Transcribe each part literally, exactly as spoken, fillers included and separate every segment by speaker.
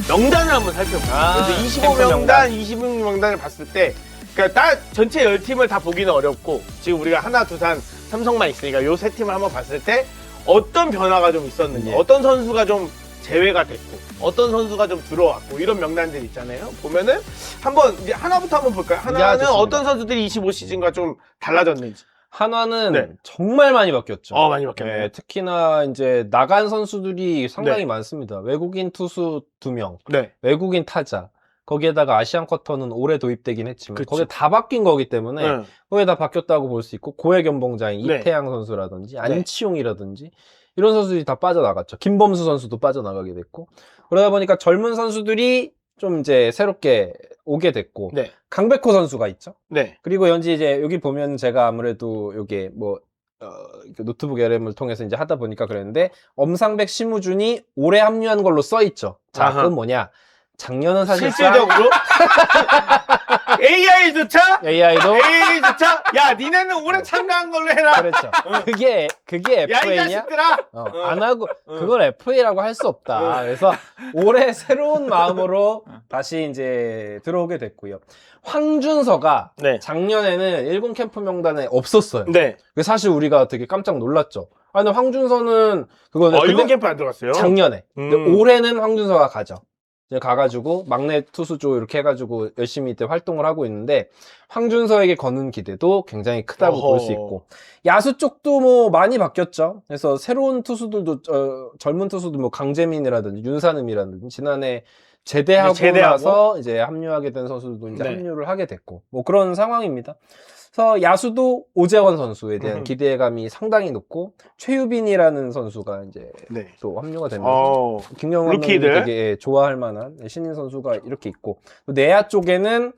Speaker 1: 명단을 한번 살펴볼게요.
Speaker 2: 아,
Speaker 1: 그래서 이십오
Speaker 2: 캠프
Speaker 1: 명단,
Speaker 2: 명단.
Speaker 1: 이십육 명단을 봤을 때, 그러니까 다 전체 열 팀을 다 보기는 어렵고, 지금 우리가 하나, 두산, 삼성만 있으니까 요 세 팀을 한번 봤을 때 어떤 변화가 좀 있었는지,
Speaker 2: 예.
Speaker 1: 어떤 선수가 좀 제외가 됐고, 어떤 선수가 좀 들어왔고, 이런 명단들 있잖아요. 보면은 한번 이제 하나부터 한번 볼까요? 하나는
Speaker 2: 좋습니다.
Speaker 1: 어떤 선수들이 이십오 시즌과 좀 달라졌는지.
Speaker 2: 한화는
Speaker 1: 네.
Speaker 2: 정말 많이 바뀌었죠.
Speaker 1: 어, 많이 바뀌었네요.
Speaker 2: 네, 특히나 이제 나간 선수들이 상당히
Speaker 1: 네.
Speaker 2: 많습니다. 외국인 투수 두 명,
Speaker 1: 네.
Speaker 2: 외국인 타자. 거기에다가 아시안 쿼터는 올해 도입되긴 했지만
Speaker 1: 그쵸.
Speaker 2: 거기에 다 바뀐 거기 때문에
Speaker 1: 네.
Speaker 2: 거기에 다 바뀌었다고 볼 수 있고 고액 연봉자인
Speaker 1: 네.
Speaker 2: 이태양 선수라든지 안치용이라든지 이런 선수들이 다 빠져나갔죠. 김범수 선수도 빠져나가게 됐고 그러다 보니까 젊은 선수들이 좀 이제 새롭게 오게 됐고
Speaker 1: 네.
Speaker 2: 강백호 선수가 있죠.
Speaker 1: 네.
Speaker 2: 그리고 연지 이제 여기 보면 제가 아무래도 요게 뭐 어, 그 노트북 엘엠을 통해서 이제 하다 보니까 그랬는데 엄상백 심우준이 올해 합류한 걸로 써 있죠. 자,
Speaker 1: 아하.
Speaker 2: 그건 뭐냐? 작년은 사실상
Speaker 1: 실질적으로 에이아이조차
Speaker 2: 에이아이도
Speaker 1: 에이아이조차 야 니네는 올해 참가한 걸로 해라.
Speaker 2: 그렇죠. 그게 그게
Speaker 1: 야 이
Speaker 2: 에프에이냐?
Speaker 1: 자식들아.
Speaker 2: 어,
Speaker 1: 어.
Speaker 2: 안 하고
Speaker 1: 어.
Speaker 2: 그걸 에프에이라고 할 수 없다.
Speaker 1: 어.
Speaker 2: 그래서 올해 새로운 마음으로 다시 이제 들어오게 됐고요. 황준서가
Speaker 1: 네.
Speaker 2: 작년에는 일군 캠프 명단에 없었어요.
Speaker 1: 네.
Speaker 2: 그래서 사실 우리가 되게 깜짝 놀랐죠. 아, 근데 황준서는 그거는
Speaker 1: 어,
Speaker 2: 근데
Speaker 1: 일본 캠프 안 들어갔어요.
Speaker 2: 작년에.
Speaker 1: 음.
Speaker 2: 근데 올해는 황준서가 가죠. 이제 가가지고 막내 투수 쪽 이렇게 해가지고 열심히 이때 활동을 하고 있는데 황준서에게 거는 기대도 굉장히 크다고
Speaker 1: 어허.
Speaker 2: 볼 수 있고 야수 쪽도 뭐 많이 바뀌었죠. 그래서 새로운 투수들도 어, 젊은 투수도 뭐 강재민이라든지 윤산음이라든지 지난해 제대하고,
Speaker 1: 이제 제대하고?
Speaker 2: 나서 이제 합류하게 된 선수들도 이제
Speaker 1: 네.
Speaker 2: 합류를 하게 됐고 뭐 그런 상황입니다. 그래서 야수도 오재원 선수에 대한
Speaker 1: 음.
Speaker 2: 기대감이 상당히 높고 최유빈이라는 선수가 이제
Speaker 1: 네.
Speaker 2: 또 합류가 되면서
Speaker 1: 어.
Speaker 2: 김경환
Speaker 1: 루키들.
Speaker 2: 감독이 되게 좋아할 만한 신인 선수가 이렇게 있고 또 내야 쪽에는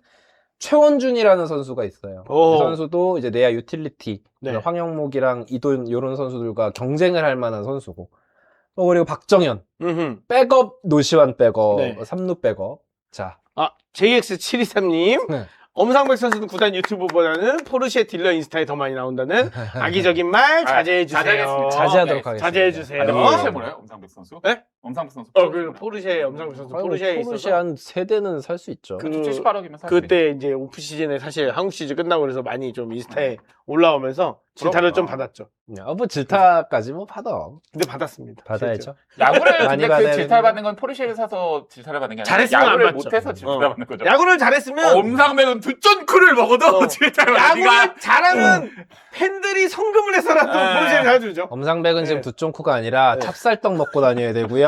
Speaker 2: 최원준이라는 선수가 있어요.
Speaker 1: 오.
Speaker 2: 그 선수도 이제 내야 유틸리티
Speaker 1: 네.
Speaker 2: 황영목이랑 이돈 이런 선수들과 경쟁을 할 만한 선수고 또 그리고 박정현
Speaker 1: 음흠.
Speaker 2: 백업 노시환 백업
Speaker 1: 네.
Speaker 2: 삼루 백업 자
Speaker 1: 아 제이엑스 칠이삼님.
Speaker 2: 네.
Speaker 1: 엄상백 선수는 구단 유튜브보다는 포르쉐 딜러 인스타에 더 많이 나온다는 악의적인 말 자제해 주세요.
Speaker 3: 자제하겠습니다.
Speaker 2: 자제하도록
Speaker 3: 네.
Speaker 2: 하겠습니다.
Speaker 1: 자제해 주세요.
Speaker 3: 아, 근데
Speaker 2: 어?
Speaker 3: 포르쉐 몰라요? 엄상백 선수?
Speaker 1: 네?
Speaker 3: 엄상백 선수.
Speaker 1: 어, 그 포르쉐 엄상백 선수
Speaker 2: 아이고,
Speaker 1: 포르쉐에
Speaker 2: 포르쉐
Speaker 1: 있어서
Speaker 2: 한 세 대는 살 수 있죠.
Speaker 1: 그-
Speaker 3: 칠십팔억이면 살
Speaker 1: 그때 이제 오프 시즌에 사실 한국 시즌 끝나고 그래서 많이 좀 인스타에 올라오면서 질타를 좀
Speaker 3: 부럽다.
Speaker 1: 받았죠.
Speaker 2: 아, 뭐 질타까지 뭐 받아
Speaker 1: 근데 받았습니다.
Speaker 2: 받아야죠.
Speaker 3: 야구를
Speaker 2: 많이
Speaker 3: 근데
Speaker 2: 받아야
Speaker 3: 그 질타를
Speaker 2: 되는데.
Speaker 3: 받는 건 포르쉐를 사서 질타를 받는 게 아니라
Speaker 1: 잘했으면 안
Speaker 3: 야구를
Speaker 1: 받죠.
Speaker 3: 못해서 질타를
Speaker 1: 어.
Speaker 3: 받는 거죠.
Speaker 1: 야구를 잘했으면
Speaker 3: 엄상백은 두 쫀크를 먹어도
Speaker 1: 어.
Speaker 3: 질타를 받는
Speaker 1: 야구를
Speaker 3: 네가
Speaker 1: 잘하면 팬들이 성금을 해서라도
Speaker 3: 에.
Speaker 1: 포르쉐를 사주죠.
Speaker 2: 엄상백은 지금
Speaker 1: 네.
Speaker 2: 두쫑쿠가 아니라
Speaker 1: 네.
Speaker 2: 찹쌀떡 먹고 다녀야 되고요.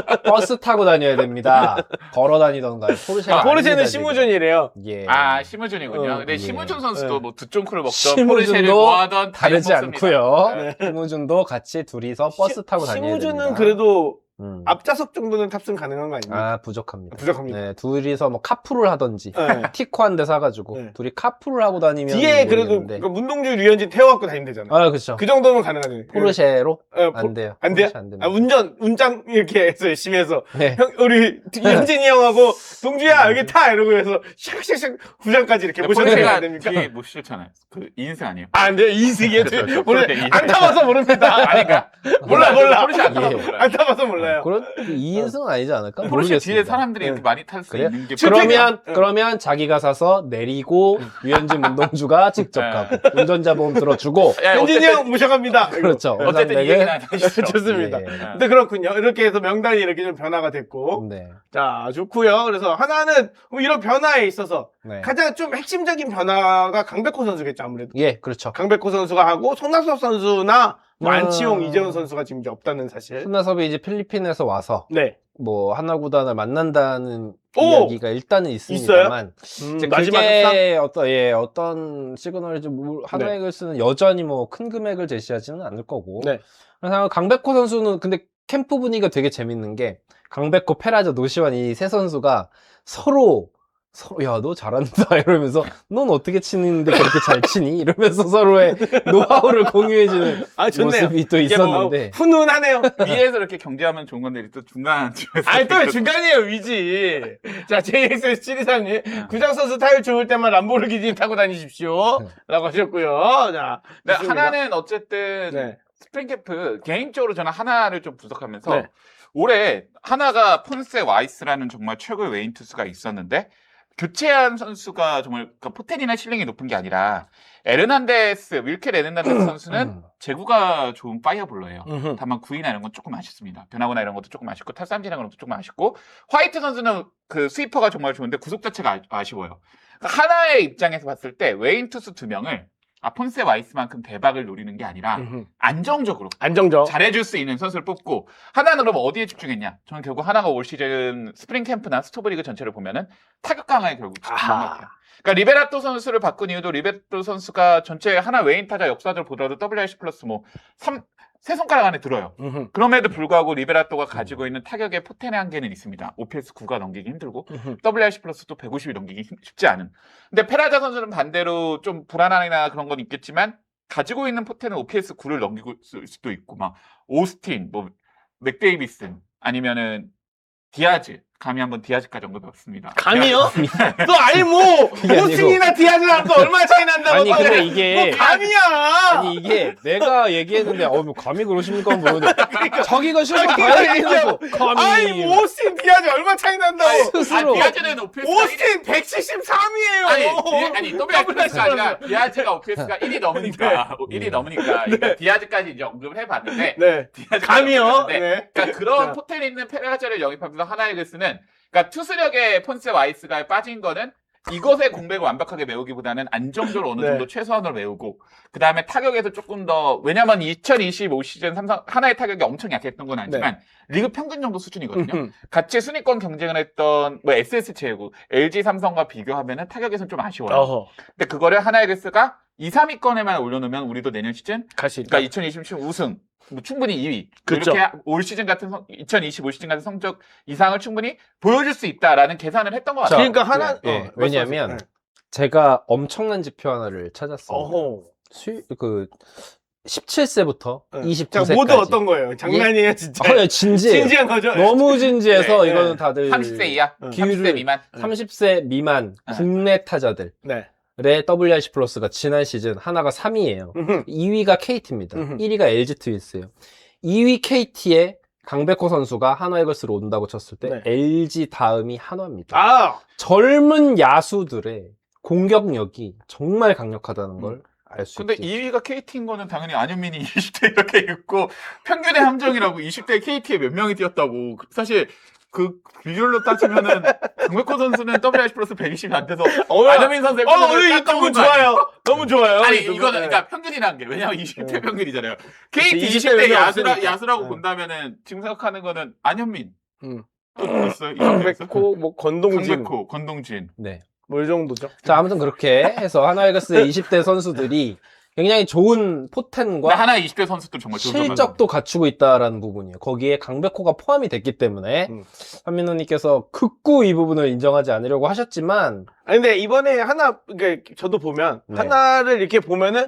Speaker 2: 버스 타고 다녀야 됩니다. 걸어 다니던가요. 포르쉐가
Speaker 1: 아, 포르쉐는
Speaker 2: 아닙니다, 지금.
Speaker 1: 심우준이래요.
Speaker 2: 예.
Speaker 3: 아 심우준이군요.
Speaker 1: 어,
Speaker 3: 근데
Speaker 2: 예.
Speaker 3: 심우준 선수도
Speaker 1: 네.
Speaker 3: 뭐 두 쫀크를 먹던
Speaker 2: 심우준도
Speaker 3: 포르쉐를 좋아하던
Speaker 2: 다르지 않고요.
Speaker 1: 네.
Speaker 2: 심우준도 같이 둘이서 버스 타고 다녀야 됩니다.
Speaker 1: 심우준은 그래도
Speaker 2: 음.
Speaker 1: 앞좌석 정도는 탑승 가능한 거 아닙니까?
Speaker 2: 아 부족합니다.
Speaker 1: 부족합니다.
Speaker 2: 네, 둘이서 뭐 카풀을 하던지
Speaker 1: 네.
Speaker 2: 티코 한 대 사가지고
Speaker 1: 네.
Speaker 2: 둘이 카풀을 하고 다니면
Speaker 1: 뒤에 그래도
Speaker 2: 모르겠는데.
Speaker 1: 그 문동주 류현진 태워갖고 다니면 되잖아.
Speaker 2: 아 그렇죠.
Speaker 1: 그 정도면 가능하죠.
Speaker 2: 포르쉐로
Speaker 1: 어, 포-
Speaker 2: 안 돼요.
Speaker 1: 안 돼요?
Speaker 2: 포르쉐 안 됩니다.
Speaker 1: 아, 운전, 운장 이렇게 해서 열심히 해서
Speaker 2: 네.
Speaker 1: 형, 우리 현진이 형하고 동주야 여기 타 이러고 해서 샥샥샥 구장까지 이렇게 모셔야
Speaker 3: 포르쉐가
Speaker 1: 됩니까?
Speaker 3: 뒤에 못 실잖아요. 그 인생 아니에요.
Speaker 1: 아, 안 돼요. 이승이에요.
Speaker 3: 그렇죠, 그렇죠.
Speaker 1: 모르-
Speaker 3: 포르쉐
Speaker 1: 안 타봐서 모릅니다.
Speaker 3: 아니까
Speaker 1: 몰라, 몰라.
Speaker 3: 포르쉐 안 타서
Speaker 2: 예.
Speaker 3: 몰라요.
Speaker 1: 안 타봐서 몰라요.
Speaker 2: 그런 이 인승은 아니지 않을까?
Speaker 3: 포르쉐 뒤에
Speaker 2: 모르겠습니다.
Speaker 3: 사람들이 이렇게
Speaker 1: 네.
Speaker 3: 많이 탈 수
Speaker 2: 그래요?
Speaker 3: 있는 게
Speaker 2: 그러면
Speaker 1: 응.
Speaker 2: 그러면 자기가 사서 내리고 유현진 문동주가 직접
Speaker 3: 네.
Speaker 2: 가고 운전자 보험 들어주고
Speaker 3: 야,
Speaker 1: 현진이
Speaker 3: 어쨌든-
Speaker 1: 형 모셔갑니다.
Speaker 2: 그렇죠.
Speaker 3: 어쨌든 이 얘기는 안 하시죠.
Speaker 1: 좋습니다.
Speaker 2: 예.
Speaker 1: 근데 그렇군요. 이렇게 해서 명단이 이렇게 좀 변화가 됐고.
Speaker 2: 네.
Speaker 1: 자, 좋고요. 그래서 하나는 뭐 이런 변화에 있어서
Speaker 2: 네.
Speaker 1: 가장 좀 핵심적인 변화가 강백호 선수겠죠, 아무래도.
Speaker 2: 예, 그렇죠.
Speaker 1: 강백호 선수가 하고 손학섭 선수나 뭐
Speaker 2: 아.
Speaker 1: 안치홍, 이재훈 선수가 지금 이제 없다는 사실.
Speaker 2: 손나섭이 이제 필리핀에서 와서
Speaker 1: 네.
Speaker 2: 뭐 하나 구단을 만난다는
Speaker 1: 오!
Speaker 2: 이야기가 일단은 있습니다만
Speaker 1: 음,
Speaker 2: 이제
Speaker 1: 마지막 협상?
Speaker 2: 그게 어떤 예 어떤 시그널인지 모르- 하나
Speaker 1: 네.
Speaker 2: 이글스는 여전히 뭐 큰 금액을 제시하지는 않을 거고.
Speaker 1: 네.
Speaker 2: 그래서 강백호 선수는 근데 캠프 분위기가 되게 재밌는 게 강백호, 페라저, 노시환 이 세 선수가 서로 서로 야 너 잘한다 이러면서 넌 어떻게 치는데 그렇게 잘 치니 이러면서 서로의 노하우를 공유해주는
Speaker 1: 아, 좋네요.
Speaker 2: 모습이 또
Speaker 1: 이게 뭐
Speaker 2: 있었는데
Speaker 1: 훈훈하네요.
Speaker 3: 위에서 이렇게 경제하면 좋은 건데 또 중간 쪽에서
Speaker 1: 아니, 또 중간이에요, 위지. 자, 제이엑스 칠이삼님. 구장 선수 타율 좋을 때만 람보르기니 타고 다니십시오. 라고 하셨고요. 자.
Speaker 3: 네,
Speaker 1: 좋습니다.
Speaker 3: 하나는 어쨌든
Speaker 1: 네.
Speaker 3: 스프링 캠프 개인적으로 저는 하나를 좀 분석하면서
Speaker 1: 네.
Speaker 3: 올해 하나가 폰세 와이스라는 정말 최고의 웨인 투수가 있었는데 교체한 선수가 정말 그 포텐이나 실력이 높은 게 아니라 에르난데스, 윌켈 에르난데스 선수는
Speaker 2: 음.
Speaker 3: 제구가 좋은 파이어볼러예요.
Speaker 1: 음흠.
Speaker 3: 다만 구위나 이런 건 조금 아쉽습니다. 변화구나 이런 것도 조금 아쉽고 탈삼진이나 것도 조금 아쉽고 화이트 선수는 그 스위퍼가 정말 좋은데 구속 자체가 아, 아쉬워요. 그러니까 하나의 입장에서 봤을 때 웨인 투수 두 명을 아, 폰세 와이스만큼 대박을 노리는 게 아니라
Speaker 1: 음흠.
Speaker 3: 안정적으로
Speaker 1: 안정적.
Speaker 3: 잘해줄 수 있는 선수를 뽑고 하나는 그럼 어디에 집중했냐? 저는 결국 하나가 올 시즌 스프링 캠프나 스토브리그 전체를 보면은 타격 강화에 결국 집중한 것
Speaker 1: 아하.
Speaker 3: 같아요. 그러니까 리베라토 선수를 바꾼 이유도 리베라토 선수가 전체 하나 웨인 타자 역사적으로 보더라도 더블유알씨 플러스 뭐 삼, 세 손가락 안에 들어요.
Speaker 1: 음흠.
Speaker 3: 그럼에도 불구하고 리베라토가 가지고 있는 타격의 포텐의 한계는 있습니다. 오피에스 구가 넘기기 힘들고
Speaker 1: 음흠.
Speaker 3: 더블유알씨 플러스도 백오십이 넘기기 힘- 쉽지 않은. 근데 페라자 선수는 반대로 좀 불안함이나 그런 건 있겠지만 가지고 있는 포텐은 오피에스 구를 넘기고 있을 수도 있고 막 오스틴, 뭐 맥데이비슨 아니면은 디아즈 감히 한번 디아즈까지 언급해봤습니다.
Speaker 1: 감이요? 또 아니 뭐
Speaker 2: 그게 아니고.
Speaker 1: 오스틴이나 디아즈랑 또 얼마나 차이 난다고.
Speaker 2: 아니,
Speaker 1: 또
Speaker 2: 근데
Speaker 1: 그래.
Speaker 2: 이게-
Speaker 1: 뭐 감이야.
Speaker 2: 아니 이게 내가 얘기했는데 어 뭐 감히 그러십니까 모르는데 자기가 실수 다
Speaker 1: 아니,
Speaker 2: 얘기해놓고 감히
Speaker 1: 아니 뭐 오스틴 디아즈 얼마 차이 난다고.
Speaker 2: 스스로
Speaker 3: 아, 디아즈는 오피에스가
Speaker 1: 오스틴 백칠십삼이에요.
Speaker 3: 아니, 디, 아니 더블유알씨가 아니라 디아즈가 오피에스가 일이 넘으니까 일이 넘으니까 그러니까 디아즈까지 이제 언급을 해봤는데
Speaker 1: 네.
Speaker 3: 디아즈까지
Speaker 1: 감이요.
Speaker 3: 언급을 해봤는데
Speaker 1: 네.
Speaker 3: 그러니까 그런
Speaker 1: 자.
Speaker 3: 포텐 있는 페라자를 영입하면서 하나의 글쓰는 그러니까 투수력의 폰세 와이스가 빠진 거는 이것의 공백을 완벽하게 메우기보다는 안정적으로 어느
Speaker 1: 네.
Speaker 3: 정도 최소한으로 메우고 그 다음에 타격에서 조금 더 왜냐면 이천이십오 시즌 삼성 하나의 타격이 엄청 약했던 건 아니지만 리그 평균 정도 수준이거든요.
Speaker 1: 음흠.
Speaker 3: 같이 순위권 경쟁을 했던 뭐 에스에스 제구, 엘지 삼성과 비교하면은 타격에서는 좀 아쉬워요.
Speaker 1: 어허.
Speaker 3: 근데 그거를 하나이글스가 이, 삼 위권에만 올려놓으면 우리도 내년 시즌
Speaker 1: 갈수 있다.
Speaker 3: 그러니까 이천이십칠 우승 뭐 충분히 이 위
Speaker 1: 그쵸.
Speaker 3: 이렇게 올 시즌 같은 성, 이천이십오 시즌 같은 성적 이상을 충분히 보여줄 수 있다라는 계산을 했던 것
Speaker 2: 자,
Speaker 3: 같아요.
Speaker 1: 그러니까 하나
Speaker 2: 예,
Speaker 1: 어,
Speaker 2: 왜냐면
Speaker 1: 말씀하세요.
Speaker 2: 제가 엄청난 지표 하나를 찾았어요.
Speaker 1: 어허.
Speaker 2: 수, 그 십칠 세부터
Speaker 1: 네.
Speaker 2: 이십구
Speaker 1: 자,
Speaker 2: 세까지.
Speaker 1: 모두 어떤 거예요? 장난이에요, 진짜.
Speaker 2: 아, 진지해요.
Speaker 1: 진지한 거죠?
Speaker 2: 너무 진지해서
Speaker 1: 네,
Speaker 2: 이거는
Speaker 1: 네.
Speaker 2: 다들
Speaker 3: 삼십 세 이하,
Speaker 1: 음.
Speaker 3: 삼십 세 미만.
Speaker 2: 삼십 세 미만
Speaker 3: 네.
Speaker 2: 국내 타자들의
Speaker 1: 네.
Speaker 2: 더블유알씨 플러스가 지난 시즌 하나가 삼 위예요.
Speaker 1: 음흠.
Speaker 2: 이 위가 케이티입니다.
Speaker 1: 음흠.
Speaker 2: 일 위가 엘지 트윈스예요. 이 위 케이티에 강백호 선수가 한화 이글스로 온다고 쳤을 때
Speaker 1: 네.
Speaker 2: 엘지 다음이 한화입니다.
Speaker 1: 아,
Speaker 2: 젊은 야수들의 공격력이 정말 강력하다는 걸 알 수
Speaker 3: 근데
Speaker 2: 있죠.
Speaker 3: 이 위가 케이티인 거는 당연히 안현민이 이십 대 이렇게 있고 평균의 함정이라고 이십 대 케이티에 몇 명이 뛰었다고 사실 그 비율로 따지면은 강백호 선수는 더블유알씨 플러스 백이십이 안 돼서
Speaker 1: 어,
Speaker 3: 안현민 선수의
Speaker 1: 어,
Speaker 3: 평균을
Speaker 1: 이거
Speaker 3: 깎아먹은
Speaker 1: 너무
Speaker 3: 거 아니에요?
Speaker 1: 좋아요. 너무 좋아요.
Speaker 3: 아니
Speaker 1: 이거.
Speaker 3: 이거는
Speaker 1: 네.
Speaker 3: 그러니까 평균이라는 게 왜냐면 이십 대
Speaker 1: 네.
Speaker 3: 평균이잖아요.
Speaker 1: 그치,
Speaker 3: 케이티
Speaker 1: 이십
Speaker 3: 이십
Speaker 1: 대
Speaker 3: 대
Speaker 1: 는
Speaker 3: 야수라,
Speaker 1: 없으니까.
Speaker 3: 야수라고
Speaker 1: 네.
Speaker 3: 본다면은 지금 생각하는 거는 안현민
Speaker 1: 음.
Speaker 3: 또 누구 있어요? 이십 대에서?
Speaker 1: 강백호, 뭐 건동진,
Speaker 3: 강백호, 건동진.
Speaker 2: 네.
Speaker 1: 뭐 이 정도죠.
Speaker 2: 자, 아무튼 그렇게 해서 한화 이글스의 이십 대 선수들이 굉장히 좋은
Speaker 3: 근데
Speaker 2: 포텐과
Speaker 3: 하나 이십 대 선수들 정말 좋은
Speaker 2: 실적도 갖추고 있다라는 부분이에요. 거기에 강백호가 포함이 됐기 때문에
Speaker 1: 음.
Speaker 2: 한민호님께서 극구 이 부분을 인정하지 않으려고 하셨지만
Speaker 1: 아니, 근데 이번에 하나, 그러니까 저도 보면,
Speaker 2: 네.
Speaker 1: 하나를 이렇게 보면은,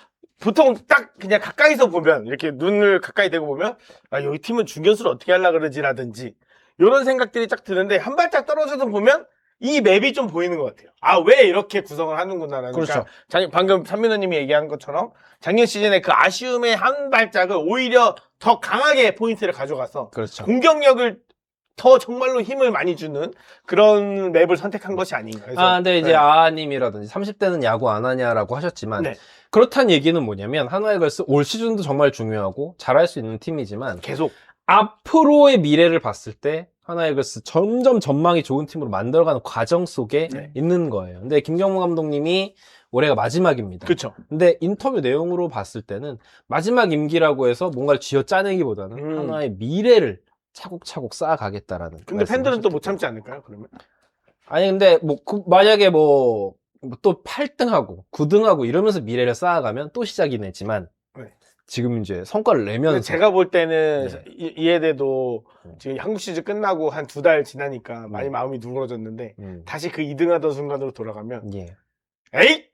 Speaker 1: 보통 딱 그냥 가까이서 보면, 이렇게 눈을 가까이 대고 보면, 아, 여기 팀은 중견수를 어떻게 하려고 그러지라든지, 이런 생각들이 딱 드는데, 한 발짝 떨어져서 보면, 이 맵이 좀 보이는 것 같아요. 아, 왜 이렇게 구성을 하는구나라는.
Speaker 2: 그렇죠.
Speaker 1: 그러니까 작- 방금 삼민호님이 얘기한 것처럼, 작년 시즌에 그 아쉬움의 한 발짝을 오히려 더 강하게 포인트를 가져가서,
Speaker 2: 그렇죠.
Speaker 1: 공격력을 더 정말로 힘을 많이 주는 그런 맵을 선택한 것이 아닌가. 그래서,
Speaker 2: 아, 근데 이제
Speaker 1: 네.
Speaker 2: 아님이라든지 삼십 대는 야구 안 하냐라고 하셨지만
Speaker 1: 네.
Speaker 2: 그렇다는 얘기는 뭐냐면 한화 이글스 올 시즌도 정말 중요하고 잘할 수 있는 팀이지만
Speaker 1: 계속
Speaker 2: 앞으로의 미래를 봤을 때 한화 이글스 점점 전망이 좋은 팀으로 만들어가는 과정 속에
Speaker 1: 네.
Speaker 2: 있는 거예요. 근데 김경무 감독님이 올해가 마지막입니다.
Speaker 1: 그렇죠.
Speaker 2: 근데 인터뷰 내용으로 봤을 때는 마지막 임기라고 해서 뭔가를 쥐어 짜내기보다는
Speaker 1: 음.
Speaker 2: 하나의 미래를 차곡차곡 쌓아가겠다라는.
Speaker 1: 근데 팬들은 또 못
Speaker 2: 말씀을
Speaker 1: 참지 않을까요? 그러면
Speaker 2: 아니 근데 뭐 그- 만약에 뭐 또 팔 등하고 구 등하고 이러면서 미래를 쌓아가면 또 시작이네지만
Speaker 1: 네.
Speaker 2: 지금 이제 성과를
Speaker 1: 근데
Speaker 2: 내면서
Speaker 1: 제가 볼 때는
Speaker 2: 네.
Speaker 1: 이, 이해돼도
Speaker 2: 음.
Speaker 1: 지금 한국 시즌 끝나고 한 두 달 지나니까 많이
Speaker 2: 음.
Speaker 1: 마음이 누그러졌는데
Speaker 2: 음,
Speaker 1: 다시 그 이 등 하던 순간으로 돌아가면
Speaker 2: 예.
Speaker 1: 에이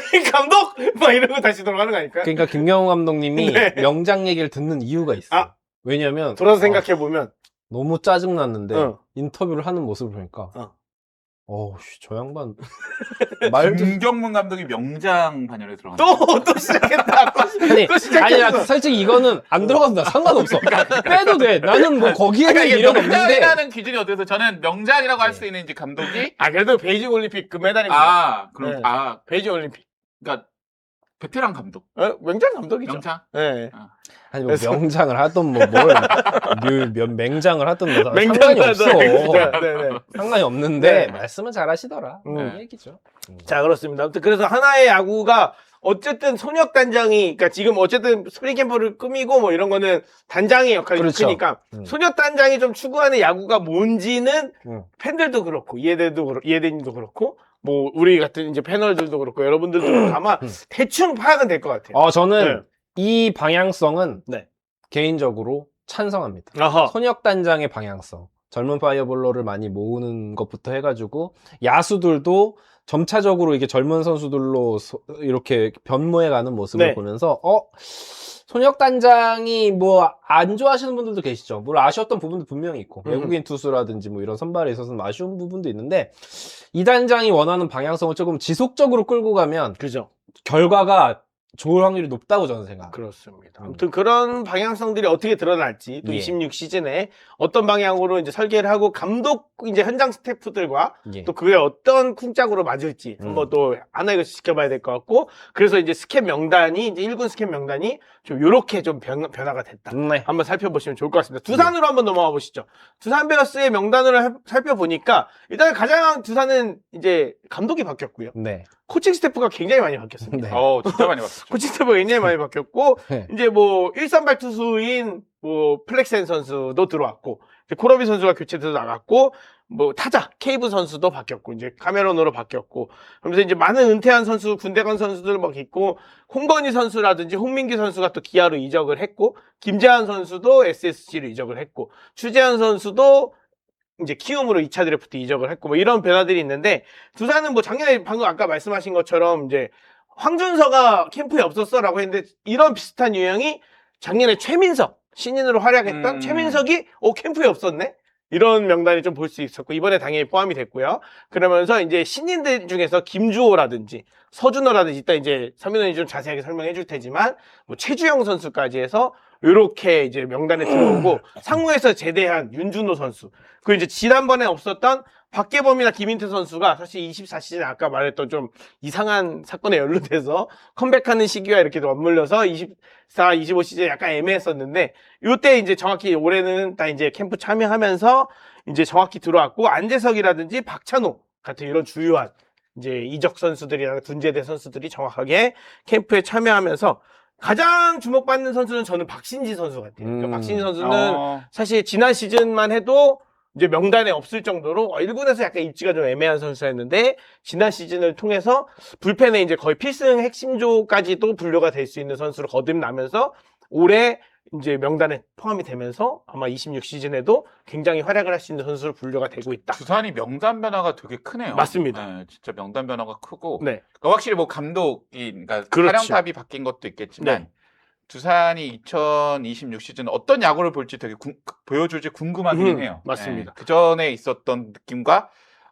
Speaker 1: 감독 막 이러고 다시 돌아가는 거 아닐까요?
Speaker 2: 그러니까 김경호 감독님이
Speaker 1: 네.
Speaker 2: 명장 얘기를 듣는 이유가 있어요.
Speaker 1: 아.
Speaker 2: 왜냐면
Speaker 1: 돌아서
Speaker 2: 아,
Speaker 1: 생각해 보면
Speaker 2: 너무 짜증 났는데
Speaker 1: 어.
Speaker 2: 인터뷰를 하는 모습을 보니까
Speaker 1: 어.
Speaker 2: 어우, 씨, 저 양반 말도
Speaker 3: 김경문 감독이 명장 반열에 들어간.
Speaker 1: 또, 또 시작했다. 또,
Speaker 2: 아니,
Speaker 1: 또 시작했어.
Speaker 2: 아니, 솔직히 이거는 안 들어가도 나 상관없어. 빼도 돼. 나는 뭐 거기에는
Speaker 3: 그러니까 이게
Speaker 2: 미련 없는데.
Speaker 3: 명장이라는 기준이 어때서 저는 명장이라고 할 수 있는 이제 감독이
Speaker 1: 아, 그래도 베이징 올림픽 금메달입니다.
Speaker 3: 아 그럼
Speaker 1: 네.
Speaker 3: 아
Speaker 1: 베이징 올림픽.
Speaker 3: 그러니까 베테랑 감독
Speaker 1: 어, 명장 감독이죠.
Speaker 3: 명장.
Speaker 1: 네.
Speaker 2: 아니, 뭐
Speaker 1: 그래서-
Speaker 2: 명장을 하던 뭐 뭘, 몇 맹장을 하던 뭐
Speaker 1: 맹장
Speaker 2: 상관이 없어.
Speaker 1: 네, 네.
Speaker 2: 상관이 없는데
Speaker 1: 네.
Speaker 2: 말씀은 잘하시더라.
Speaker 1: 음.
Speaker 2: 이 얘기죠. 음.
Speaker 1: 자, 그렇습니다. 아무튼 그래서 하나의 야구가 어쨌든 손혁 단장이, 그러니까 지금 어쨌든 스프링 캠프를 꾸미고 뭐 이런 거는 단장의 역할이
Speaker 2: 그렇죠.
Speaker 1: 크니까
Speaker 2: 음.
Speaker 1: 손혁 단장이 좀 추구하는 야구가 뭔지는
Speaker 2: 음.
Speaker 1: 팬들도 그렇고 이해대도 그렇고 이해대님도 그렇고 뭐 우리 같은 이제 패널들도 그렇고 여러분들도 아마
Speaker 2: 음.
Speaker 1: 대충 파악은 될 것 같아요.
Speaker 2: 어, 저는
Speaker 1: 네.
Speaker 2: 이 방향성은
Speaker 1: 네.
Speaker 2: 개인적으로 찬성합니다.
Speaker 1: 아하.
Speaker 2: 손혁 단장의 방향성. 젊은 파이어볼러를 많이 모으는 것부터 해가지고 야수들도 점차적으로 이게 젊은 선수들로 소- 이렇게 변모해가는 모습을
Speaker 1: 네.
Speaker 2: 보면서 어 손혁 단장이 뭐 안 좋아하시는 분들도 계시죠. 물론 아쉬웠던 부분도 분명히 있고
Speaker 1: 음.
Speaker 2: 외국인 투수라든지 뭐 이런 선발에 있어서는 아쉬운 부분도 있는데 이 단장이 원하는 방향성을 조금 지속적으로 끌고 가면
Speaker 1: 그죠.
Speaker 2: 결과가 좋을 확률이 높다고 저는 생각합니다.
Speaker 1: 그렇습니다.
Speaker 2: 음.
Speaker 1: 아무튼 그런 방향성들이 어떻게 드러날지 또
Speaker 2: 예.
Speaker 1: 이십육 시즌에 어떤 방향으로 이제 설계를 하고 감독 이제 현장 스태프들과
Speaker 2: 예.
Speaker 1: 또 그게 어떤 쿵짝으로 맞을지
Speaker 2: 음.
Speaker 1: 한번 또 하나씩 지켜봐야 될 것 같고 그래서 이제 스캡 명단이 이제 일 군 스캡 명단이 좀 요렇게 좀 변, 변화가 됐다.
Speaker 2: 네.
Speaker 1: 한번 살펴보시면 좋을 것 같습니다. 두산으로 한번 넘어가 보시죠. 두산 베어스의 명단을 해- 살펴보니까 일단 가장 두산은 이제 감독이 바뀌었고요.
Speaker 2: 네.
Speaker 1: 코칭 스태프가 굉장히 많이 바뀌었습니다.
Speaker 2: 네.
Speaker 3: 어 진짜 많이 봤었죠.
Speaker 1: 코칭 스태프가 굉장히 많이 바뀌었고
Speaker 2: 네.
Speaker 1: 이제 뭐 일선발 투수인 뭐 플렉센 선수도 들어왔고 이제 코러비 선수가 교체돼서 나갔고 뭐 타자 케이브 선수도 바뀌었고 이제 카메론으로 바뀌었고 그러면서 이제 많은 은퇴한 선수 군대 간 선수들 막 있고 홍건희 선수라든지 홍민기 선수가 또 기아로 이적을 했고 김재환 선수도 에스에스지로 이적을 했고 추재환 선수도 이제 키움으로 이 차 드래프트 이적을 했고 뭐 이런 변화들이 있는데 두산은 뭐 작년에 방금 아까 말씀하신 것처럼 이제 황준서가 캠프에 없었어라고 했는데 이런 비슷한 유형이 작년에 최민석 신인으로 활약했던
Speaker 3: 음.
Speaker 1: 최민석이 어 캠프에 없었네 이런 명단이 좀 볼 수 있었고 이번에 당연히 포함이 됐고요. 그러면서 이제 신인들 중에서 김주호라든지 서준호라든지 이따 이제 서민원이 좀 자세하게 설명해 줄 테지만 뭐 최주영 선수까지 해서 이렇게 이제 명단에 들어오고 상무에서 제대한 윤준호 선수 그 이제 지난번에 없었던 박계범이나 김인태 선수가 사실 이십사 시즌 아까 말했던 좀 이상한 사건에 연루돼서 컴백하는 시기와 이렇게 맞물려서 이십사, 이십오 시즌 약간 애매했었는데 이때 이제 정확히 올해는 다 이제 캠프 참여하면서 이제 정확히 들어왔고 안재석이라든지 박찬호 같은 이런 주요한 이제 이적 선수들이나 군제대 선수들이 정확하게 캠프에 참여하면서 가장 주목받는 선수는 저는 박신지 선수 같아요. 그러니까
Speaker 2: 음.
Speaker 1: 박신지 선수는
Speaker 3: 어,
Speaker 1: 사실 지난 시즌만 해도 이제 명단에 없을 정도로 일 군에서 약간 입지가 좀 애매한 선수였는데 지난 시즌을 통해서 불펜에 이제 거의 필승 핵심조까지도 분류가 될 수 있는 선수로 거듭나면서 올해 이제 명단에 포함이 되면서 아마 이십육 시즌에도 굉장히 활약을 할 수 있는 선수로 분류가 되고 있다.
Speaker 3: 두산이 명단 변화가 되게 크네요.
Speaker 1: 맞습니다.
Speaker 3: 네, 진짜 명단 변화가 크고
Speaker 1: 네.
Speaker 3: 그러니까 확실히 뭐 감독이 그러니까
Speaker 1: 그렇죠.
Speaker 3: 사령탑이 바뀐 것도 있겠지만
Speaker 1: 네.
Speaker 3: 두산이 이천이십육 시즌 어떤 야구를 볼지 되게 궁- 보여줄지 궁금하긴
Speaker 1: 음,
Speaker 3: 해요.
Speaker 1: 맞습니다.
Speaker 3: 그 전에 있었던 느낌과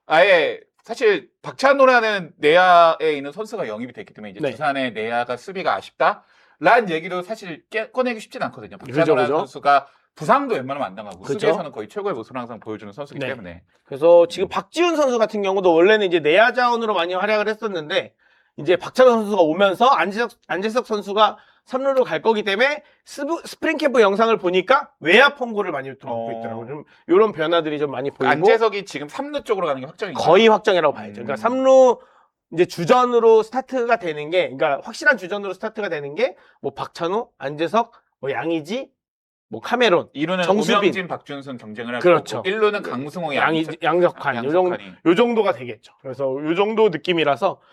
Speaker 3: 아예 사실 박찬호라는 내야에 있는 선수가 영입이 됐기 때문에 이제
Speaker 1: 네.
Speaker 3: 두산의 내야가 수비가 아쉽다라는 얘기도 사실 깨, 꺼내기 쉽진 않거든요.
Speaker 1: 그죠,
Speaker 3: 박찬호라는
Speaker 1: 그죠.
Speaker 3: 선수가 부상도 웬만하면 안 당하고
Speaker 1: 그죠.
Speaker 3: 수비에서는 거의 최고의 모습을 항상 보여주는 선수이기
Speaker 1: 네.
Speaker 3: 때문에
Speaker 1: 그래서 지금 박지훈 선수 같은 경우도 원래는 이제 내야 자원으로 많이 활약을 했었는데 이제 박찬호 선수가 오면서 안재석, 안재석 선수가 삼 루로 갈 거기 때문에 스부, 스프링 캠프 영상을 보니까 외야 펑구를 많이 들어오고
Speaker 3: 어.
Speaker 1: 있더라고요. 좀 이런 변화들이 좀 많이 보이고
Speaker 3: 안재석이 지금 삼 루 쪽으로 가는 게 확정인가요?
Speaker 1: 거의 확정이라고 봐야죠.
Speaker 3: 음.
Speaker 1: 그러니까 삼 루 이제 주전으로 스타트가 되는 게, 그러니까 확실한 주전으로 스타트가 되는 게 뭐 박찬호, 안재석, 뭐 양의지, 뭐 카메론,
Speaker 3: 이 루는
Speaker 1: 정수빈.
Speaker 3: 오명진, 박준순 경쟁을 할
Speaker 1: 그렇죠.
Speaker 3: 거고 일 루는 강승호,
Speaker 1: 양이,
Speaker 3: 양석-
Speaker 1: 양석환, 요 정도,
Speaker 3: 양석환이.
Speaker 1: 요 정도가 되겠죠. 그래서 요 정도 느낌이라서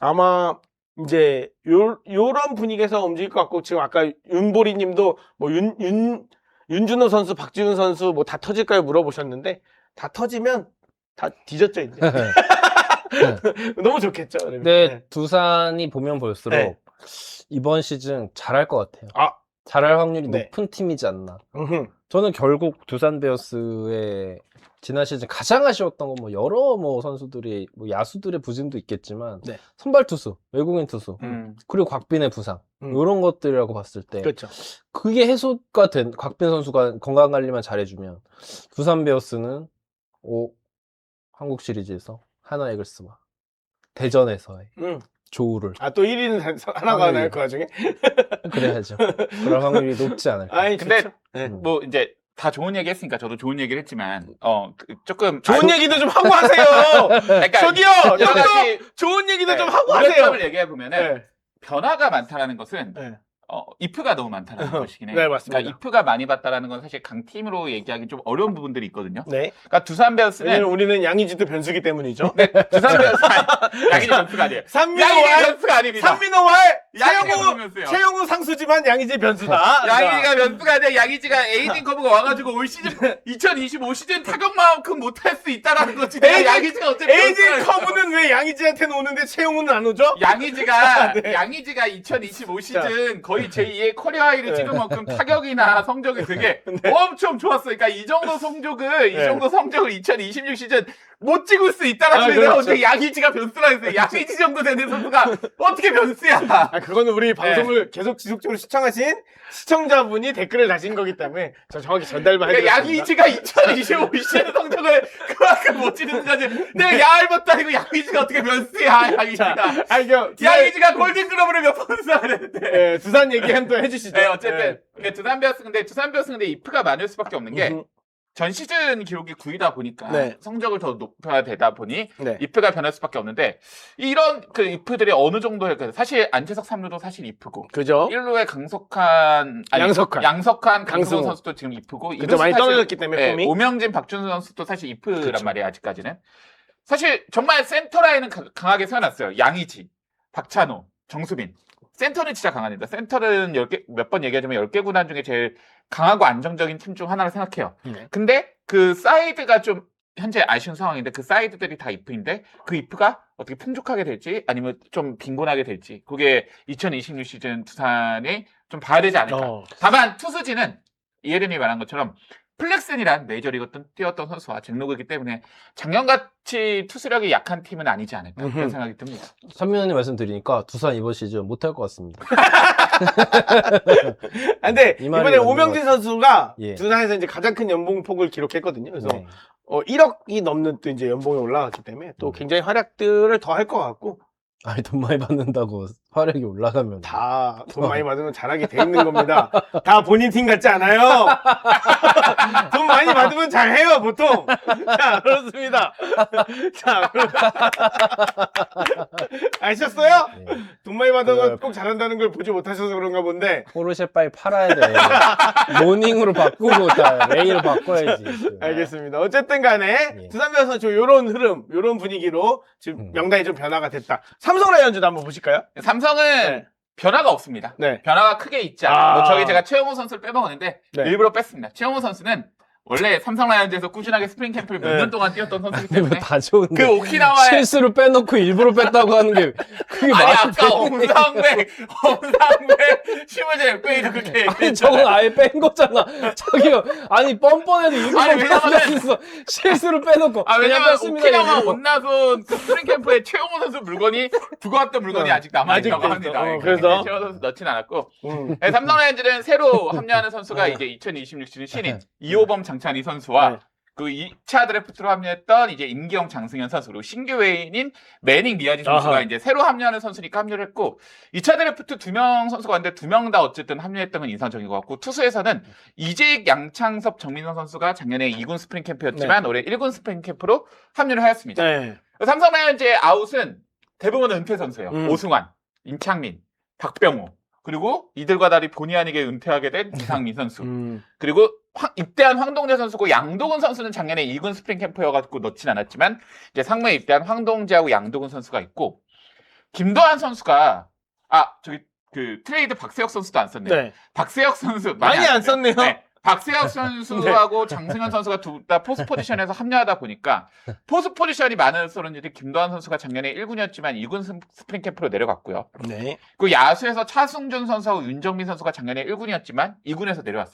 Speaker 1: 아마 이제 요, 요런 분위기에서 움직일 것 같고 지금 아까 윤보리 님도 뭐 윤, 윤, 윤준호 선수, 박지훈 선수 뭐 다 터질까요 물어보셨는데 다 터지면 다 뒤졌죠, 이제. 너무 좋겠죠. 그러면.
Speaker 2: 근데
Speaker 1: 네.
Speaker 2: 두산이 보면 볼수록
Speaker 1: 네.
Speaker 2: 이번 시즌 잘할 것 같아요.
Speaker 1: 아.
Speaker 2: 잘할 확률이
Speaker 1: 네.
Speaker 2: 높은 팀이지 않나.
Speaker 1: 음흠.
Speaker 2: 저는 결국 두산 베어스의 지난 시즌 가장 아쉬웠던 건 뭐 여러 뭐 선수들이 뭐 야수들의 부진도 있겠지만
Speaker 1: 네.
Speaker 2: 선발 투수, 외국인 투수,
Speaker 3: 음.
Speaker 2: 그리고 곽빈의 부상
Speaker 1: 음.
Speaker 2: 이런 것들이라고 봤을 때
Speaker 1: 그렇죠.
Speaker 2: 그게 해소가 된 곽빈 선수가 건강 관리만 잘해주면 두산 베어스는 오 한국 시리즈에서 하나 이글스와 대전에서의
Speaker 1: 음.
Speaker 2: 조우를
Speaker 1: 아, 또 일 위는 하나가
Speaker 2: 확률이.
Speaker 1: 나요, 그 와중에?
Speaker 2: 그래야죠. 그럴 확률이 높지 않을까.
Speaker 1: 아니,
Speaker 3: 근데
Speaker 1: 좋죠. 네.
Speaker 2: 음.
Speaker 3: 뭐 이제 다 좋은 얘기 했으니까 저도 좋은 얘기를 했지만 어 그 조금
Speaker 1: 좋은
Speaker 3: 아,
Speaker 1: 얘기도 좀 하고 하세요!
Speaker 3: 그러니까
Speaker 1: 저기요!
Speaker 3: 여러
Speaker 1: 저도
Speaker 3: 가지
Speaker 1: 좋은 얘기도
Speaker 3: 네,
Speaker 1: 좀 하고 하세요!
Speaker 3: 우려점을 얘기해 보면은
Speaker 1: 네.
Speaker 3: 변화가 많다라는 것은
Speaker 1: 네.
Speaker 3: 어, 이프가 너무 많다는 것이긴 해요.
Speaker 1: 네, 맞습니다.
Speaker 3: 그러니까 이프가 많이 봤다라는 건 사실 강팀으로 얘기하기 좀 어려운 부분들이 있거든요.
Speaker 1: 네.
Speaker 3: 그러니까 두산 베어스는
Speaker 1: 왜냐면 우리는 양의지도 변수기 때문이죠.
Speaker 3: 네, 두산 베어스 아니, 양희지 변수가 아니에요.
Speaker 1: 삼민호
Speaker 3: 양희지
Speaker 1: 왈,
Speaker 3: 변수가 아닙니다.
Speaker 1: 삼민호 왈,
Speaker 3: 양희지가
Speaker 1: 최영우,
Speaker 3: 변수예요.
Speaker 1: 최영우 상수지만 양의지 변수다.
Speaker 3: 양희지가 변수가 아니라 양희지가 에이징 커브가 와가지고 올 시즌 이천이십오 시즌 타격만큼 못할 수 있다라는 거지. 내가
Speaker 1: 에이징-
Speaker 3: 양희지가 어차피
Speaker 1: 에이지
Speaker 3: 변수라는
Speaker 1: 커브는 왜 양의지한테는 오는데 최영우는 안 오죠?
Speaker 3: 양희지가
Speaker 1: 네.
Speaker 3: 양희지가 이천이십오 시즌 거의 제이의 커리어 하이를
Speaker 1: 네.
Speaker 3: 찍을 만큼 타격이나 성적이 되게 엄청 좋았어. 그러니까 이 정도 성적을 이
Speaker 1: 네.
Speaker 3: 정도 성적을 이천이십육 시즌 못 찍을 수 있다라는
Speaker 1: 아,
Speaker 3: 소리가
Speaker 1: 그렇죠.
Speaker 3: 어떻게 양희지가 변수라 했어요. 양희지 정도 되는 선수가 어떻게 변수야?
Speaker 1: 아, 그거는 우리 방송을 계속 지속적으로 시청하신 시청자분이 댓글을 다신 거기 때문에 저 정확히 전달만
Speaker 3: 그러니까
Speaker 1: 해드렸습니다.
Speaker 3: 양희지가 이천이십오 시즌 성적을 그만큼 못 찍는 거지. 내가 야알못도 아니고 양희지가 어떻게 변수야? 양희지가.
Speaker 1: 아, 이거
Speaker 3: 양희지가 골든글러브를 몇 번 수상을 했는데.
Speaker 1: 네, 두산 얘기 한 번 해주시죠.
Speaker 3: 네, 어쨌든 네, 두산 베어스 근데 두산 베어스 근데 이프가 많을 수밖에 없는 게
Speaker 1: 음,
Speaker 3: 전 시즌 기록이 구이다 보니까
Speaker 1: 네.
Speaker 3: 성적을 더 높여야 되다 보니
Speaker 1: 네.
Speaker 3: 이프가 변할 수밖에 없는데 이런 그 이프들이 어느 정도의 그 사실 안채석 삼 루도 사실 이프고
Speaker 1: 그죠?
Speaker 3: 일 루에 강석한 아니,
Speaker 1: 양석환.
Speaker 3: 양석환 강승호
Speaker 1: 강승호.
Speaker 3: 선수도 지금 이프고
Speaker 1: 그죠?
Speaker 3: 이루수
Speaker 1: 많이
Speaker 3: 사실-
Speaker 1: 떨어졌기 때문에
Speaker 3: 네,
Speaker 1: 폼이.
Speaker 3: 오명진 박준수 선수도 사실 이프란
Speaker 1: 그쵸.
Speaker 3: 말이에요 아직까지는 사실 정말 센터 라인은 가- 강하게 세워놨어요. 양의지, 박찬호, 정수빈 센터는 진짜 강합니다. 센터는 열 개 몇 번 얘기하지만 열 개 구단 중에 제일 강하고 안정적인 팀 중 하나를 생각해요.
Speaker 1: 네.
Speaker 3: 근데 그 사이드가 좀 현재 아쉬운 상황인데 그 사이드들이 다 이프인데 그 이프가 어떻게 풍족하게 될지 아니면 좀 빈곤하게 될지 그게 이천이십육 시즌 두산이 좀 봐야 되지 않을까.
Speaker 1: 어.
Speaker 3: 다만 투수진은 이혜린이 말한 것처럼 플렉슨이란 메이저리그 뛰었던 선수와 잭로그이기 때문에 작년같이 투수력이 약한 팀은 아니지 않을까
Speaker 1: 음흠.
Speaker 3: 그런 생각이 듭니다.
Speaker 2: 선민호님 말씀 드리니까 두산 이번 시즌 못할 것 같습니다.
Speaker 1: 아, 근데
Speaker 2: 이 말이
Speaker 1: 이번에
Speaker 2: 맞는
Speaker 1: 오명진
Speaker 2: 것
Speaker 1: 선수가
Speaker 2: 예.
Speaker 1: 두산에서 이제 가장 큰 연봉폭을 기록했거든요. 그래서
Speaker 2: 네.
Speaker 1: 어, 일억이 넘는 또 이제 연봉이 올라갔기 때문에 또
Speaker 2: 음.
Speaker 1: 굉장히 활약들을 더 할 것 같고
Speaker 2: 아니 돈 많이 받는다고 화력이 올라가면
Speaker 1: 다 돈 많이 받으면 잘하게 돼 있는 겁니다. 다 본인 팀 같지 않아요? 돈 많이 받으면 잘해요, 보통. 자, 그렇습니다. 자, 그럼- 아셨어요?
Speaker 2: 네.
Speaker 1: 돈 많이 받으면
Speaker 2: 그-
Speaker 1: 꼭 잘한다는 걸 보지 못하셔서 그런가 본데.
Speaker 2: 포르쉐 빨리 팔아야 돼. 모닝으로 바꾸고 다 레이로 바꿔야지.
Speaker 1: 알겠습니다. 어쨌든 간에
Speaker 2: 예.
Speaker 1: 두산 베어스는 좀 요런 흐름, 요런 분위기로 지금
Speaker 2: 음.
Speaker 1: 명단이 좀 변화가 됐다. 삼성 라이온즈도 한번 보실까요?
Speaker 3: 삼성은
Speaker 1: 네.
Speaker 3: 변화가 없습니다.
Speaker 1: 네.
Speaker 3: 변화가 크게 있지 않아요.
Speaker 1: 아.
Speaker 3: 뭐 저기 제가 최영호 선수를 빼먹었는데
Speaker 1: 네.
Speaker 3: 일부러 뺐습니다. 최영호 선수는 원래 삼성 라이온즈에서 꾸준하게 스프링 캠프를 몇
Speaker 1: 네.
Speaker 3: 년 동안 뛰었던 선수이기
Speaker 2: 이거
Speaker 3: 때문에
Speaker 2: 다 좋은데.
Speaker 3: 그 오키나와의
Speaker 2: 실수로 빼놓고 일부러 뺐다고 하는 게 그게
Speaker 3: 아니
Speaker 2: 말이
Speaker 3: 아까
Speaker 2: 돼?
Speaker 3: 엄상백 엄상백 심을재 백베이도 그렇게
Speaker 2: 아니
Speaker 3: 얘기했잖아요.
Speaker 2: 저건 아예 뺀 거잖아. 저기요. 아니 뻔뻔해도 일부러
Speaker 3: 아니, 왜냐면은-
Speaker 2: 뺐어. 실수로 빼놓고.
Speaker 3: 아
Speaker 2: 그냥
Speaker 3: 왜냐면
Speaker 2: 뺐습니다,
Speaker 3: 오키나와
Speaker 2: 일부러.
Speaker 3: 온나손 그 스프링 캠프에 최영호 선수 물건이 두고 왔던 물건이
Speaker 1: 어,
Speaker 3: 아직 남아있다고
Speaker 1: 아직 돼 있어.
Speaker 3: 합니다.
Speaker 1: 어, 그래서?
Speaker 3: 최영호 선수 넣진 않았고
Speaker 1: 음.
Speaker 3: 네, 삼성 라이온즈는 새로 합류하는 선수가
Speaker 1: 어.
Speaker 3: 이제 이천이십육 시즌 신인 이호범 장찬희 선수와
Speaker 1: 네.
Speaker 3: 그 이 차 드래프트로 합류했던 이제 임기영 장승현 선수 그리고 신규 외인인 매닝 미야지 선수가
Speaker 1: 아하.
Speaker 3: 이제 새로 합류하는 선수니까 합류를 했고 이 차 드래프트 두 명 선수가 왔는데 두 명 다 어쨌든 합류했던 건 인상적인 것 같고 투수에서는 이재익, 양창섭, 정민선 선수가 작년에 이 군 스프링 캠프였지만 올해 일 군 스프링 캠프로 합류를 하였습니다.
Speaker 1: 네.
Speaker 3: 삼성 라이온즈의 아웃은 대부분 은퇴 선수예요.
Speaker 1: 음.
Speaker 3: 오승환, 임창민, 박병호 그리고 이들과 달리 본의 아니게 은퇴하게 된 이상민 선수
Speaker 1: 음.
Speaker 3: 그리고 황- 입대한 황동재 선수고 양도근 선수는 작년에 이 군 스프링 캠프여가지고 넣진 않았지만 이제 상무에 입대한 황동재하고 양도근 선수가 있고 김도한 선수가 아 저기 그 트레이드 박세혁 선수도 안 썼네요.
Speaker 1: 네.
Speaker 3: 박세혁 선수
Speaker 1: 많이 안 썼네요.
Speaker 3: 네. 박세혁 선수하고 장승현 선수가 둘 다 포스 포지션에서 합류하다 보니까 포스 포지션이 많은 선수들이 김도한 선수가 작년에 일 군이었지만 이 군 스프링 캠프로 내려갔고요.
Speaker 1: 네.
Speaker 3: 그 야수에서 차승준 선수하고 윤정민 선수가 작년에 일 군이었지만 이 군에서 내려왔습니다.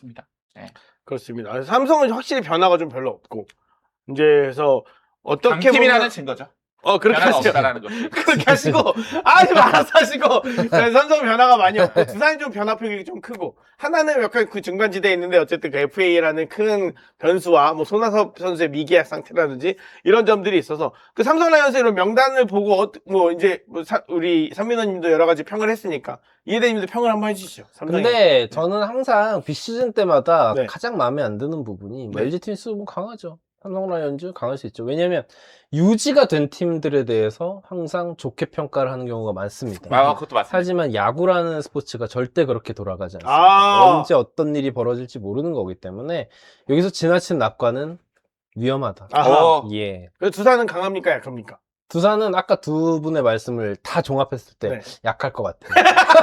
Speaker 1: 그렇습니다. 삼성은 확실히 변화가 좀 별로 없고 이제 그래서 어떻게
Speaker 3: 강팀이라는
Speaker 1: 보면
Speaker 3: 증거죠.
Speaker 1: 어 그렇게
Speaker 3: 변화가
Speaker 1: 하시죠.
Speaker 3: 없다라는 거.
Speaker 1: 그렇게 하시고 아좀 알아서 하시고 네, 삼성 변화가 많이 없고 두산이 좀 변화폭이 좀 크고 하나는 약간 그 중간지대에 있는데 어쨌든 그 에프에이라는 큰 변수와 뭐 손아섭 선수의 미계약 상태라든지 이런 점들이 있어서 그 삼성 라이온스의 이런 명단을 보고 어, 뭐 이제 뭐 사, 우리 삼민호님도 여러 가지 평을 했으니까 이해대님도 평을 한번 해주시죠. 삼성이.
Speaker 2: 근데 저는 항상 비시즌 때마다
Speaker 1: 네.
Speaker 2: 가장 마음에 안 드는 부분이 뭐
Speaker 1: 네.
Speaker 2: 엘지 트윈스 뭐 강하죠. 삼성 라이온즈 강할 수 있죠. 왜냐면 유지가 된 팀들에 대해서 항상 좋게 평가를 하는 경우가 많습니다.
Speaker 3: 아, 그것도 맞습니다.
Speaker 2: 하지만 야구라는 스포츠가 절대 그렇게 돌아가지 않습니다.
Speaker 1: 아.
Speaker 2: 언제 어떤 일이 벌어질지 모르는 거기 때문에 여기서 지나친 낙관은 위험하다.
Speaker 1: 아하.
Speaker 3: 어.
Speaker 2: 예.
Speaker 1: 그래서 두산은 강합니까 약합니까?
Speaker 2: 두산은 아까 두 분의 말씀을 다 종합했을 때
Speaker 1: 네.
Speaker 2: 약할 것 같아요.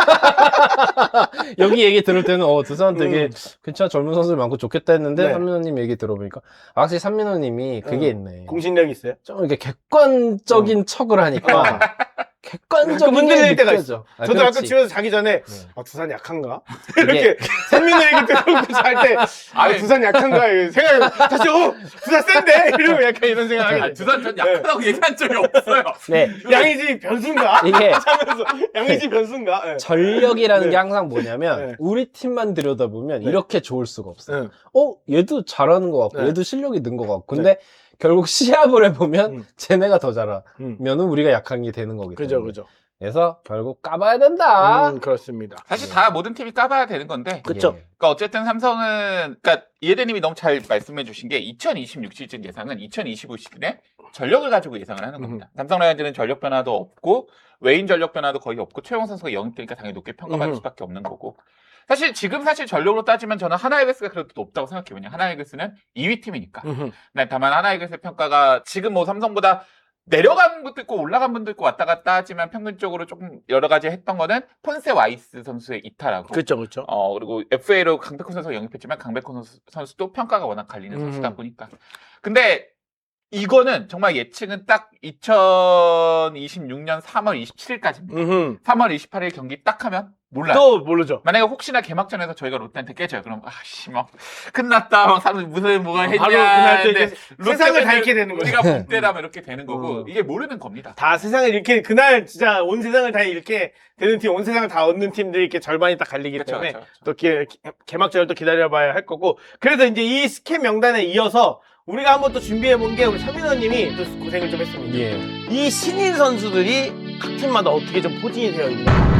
Speaker 2: 여기 얘기 들을 때는 어 두산 되게
Speaker 1: 음.
Speaker 2: 괜찮아 젊은 선수들 많고 좋겠다 했는데
Speaker 1: 네.
Speaker 2: 삼민호님 얘기 들어보니까 아, 확실히 삼민호님이 그게
Speaker 1: 음.
Speaker 2: 있네.
Speaker 1: 공신력 있어요?
Speaker 2: 좀 이렇게 객관적인 척을 하니까 객관적인
Speaker 1: 그 흔들릴
Speaker 2: 게
Speaker 1: 때가
Speaker 2: 느껴져. 아,
Speaker 1: 저도 아까
Speaker 2: 그렇지.
Speaker 1: 집에서 자기 전에
Speaker 2: 네.
Speaker 1: 아 두산 약한가?
Speaker 2: 이게
Speaker 1: 이렇게 선민호 얘기 듣고 잘때 아
Speaker 3: 아니,
Speaker 1: 두산 약한가 이렇게 생각 다시 어 두산 센데 이러면 약간 이런 생각하게
Speaker 3: 아,
Speaker 1: 돼.
Speaker 3: 두산 전 약하다고 얘기한 적이 없어요.
Speaker 2: 네.
Speaker 1: 양의지 변수인가?
Speaker 2: 이게
Speaker 1: 하면서 양의지 변수인가? 네.
Speaker 2: 전력이라는
Speaker 1: 네.
Speaker 2: 게 항상 뭐냐면
Speaker 1: 네.
Speaker 2: 우리 팀만 들여다보면
Speaker 1: 네.
Speaker 2: 이렇게 좋을 수가 없어요.
Speaker 1: 네.
Speaker 2: 어 얘도 잘하는 것 같고
Speaker 1: 네.
Speaker 2: 얘도 실력이 는 것 같고 근데 결국 시합을 해보면
Speaker 1: 음.
Speaker 2: 쟤네가 더 잘하면은
Speaker 1: 음.
Speaker 2: 우리가 약한 게 되는 거기 때문에
Speaker 1: 그죠 그죠.
Speaker 2: 그래서 결국 까봐야 된다.
Speaker 1: 음 그렇습니다.
Speaker 3: 사실 다 모든 팀이 까봐야 되는 건데.
Speaker 1: 그쵸.
Speaker 2: 예.
Speaker 3: 그러니까 어쨌든 삼성은 그러니까 이해대님이 너무 잘 말씀해 주신 게 이천이십육 시즌 예상은 이천이십오 시즌에 전력을 가지고 예상을 하는 겁니다. 삼성 라이온즈는 전력 변화도 없고 외인 전력 변화도 거의 없고 최용호 선수가 영입되니까 당연히 높게 평가받을
Speaker 1: 음흠.
Speaker 3: 수밖에 없는 거고 사실 지금 사실 전력으로 따지면 저는 하나이글스가 그래도 높다고 생각해요. 왜냐면 하나이글스는 이 위 팀이니까.
Speaker 1: 음흠.
Speaker 3: 네, 다만 하나이글스의 평가가 지금 뭐 삼성보다 내려간 분도 있고 올라간 분도 있고 왔다 갔다 하지만 평균적으로 조금 여러 가지 했던 거는 폰세 와이스 선수의 이탈하고
Speaker 1: 그쵸 그쵸.
Speaker 3: 어 그리고 에프에이로 강백호 선수가 영입했지만 강백호 선수, 선수도 평가가 워낙 갈리는
Speaker 1: 음.
Speaker 3: 선수다 보니까 근데 이거는 정말 예측은 딱 이천이십육 년 삼월 이십칠일까지입니다.
Speaker 1: 음흠.
Speaker 3: 삼월 이십팔일 경기 딱 하면 몰라요.
Speaker 1: 또 모르죠.
Speaker 3: 만약에 혹시나 개막전에서 저희가 롯데한테 깨져요. 그럼 아씨 뭐 끝났다. 막 사람 무슨 뭐가 했냐.
Speaker 1: 바로 그날 또 이제
Speaker 3: 근데
Speaker 1: 세상을 다
Speaker 3: 롯데는
Speaker 1: 잃게 되는 거죠.
Speaker 3: 우리가 본때라면 이렇게 되는 거고
Speaker 1: 음.
Speaker 3: 이게 모르는 겁니다.
Speaker 1: 다 세상을 이렇게 그날 진짜 온 세상을 다 잃게 되는 팀, 온 세상을 다 얻는 팀들이 이렇게 절반이 딱 갈리기
Speaker 3: 그렇죠,
Speaker 1: 때문에
Speaker 3: 그렇죠, 그렇죠.
Speaker 1: 또 개, 개막전을 또 기다려봐야 할 거고 그래서 이제 이 스캔 명단에 이어서 우리가 한번 또 준비해 본 게 우리 서민호님이 또 고생을 좀 했습니다.
Speaker 2: 예.
Speaker 1: 이 신인 선수들이 각 팀마다 어떻게 좀 포진이 되어 있나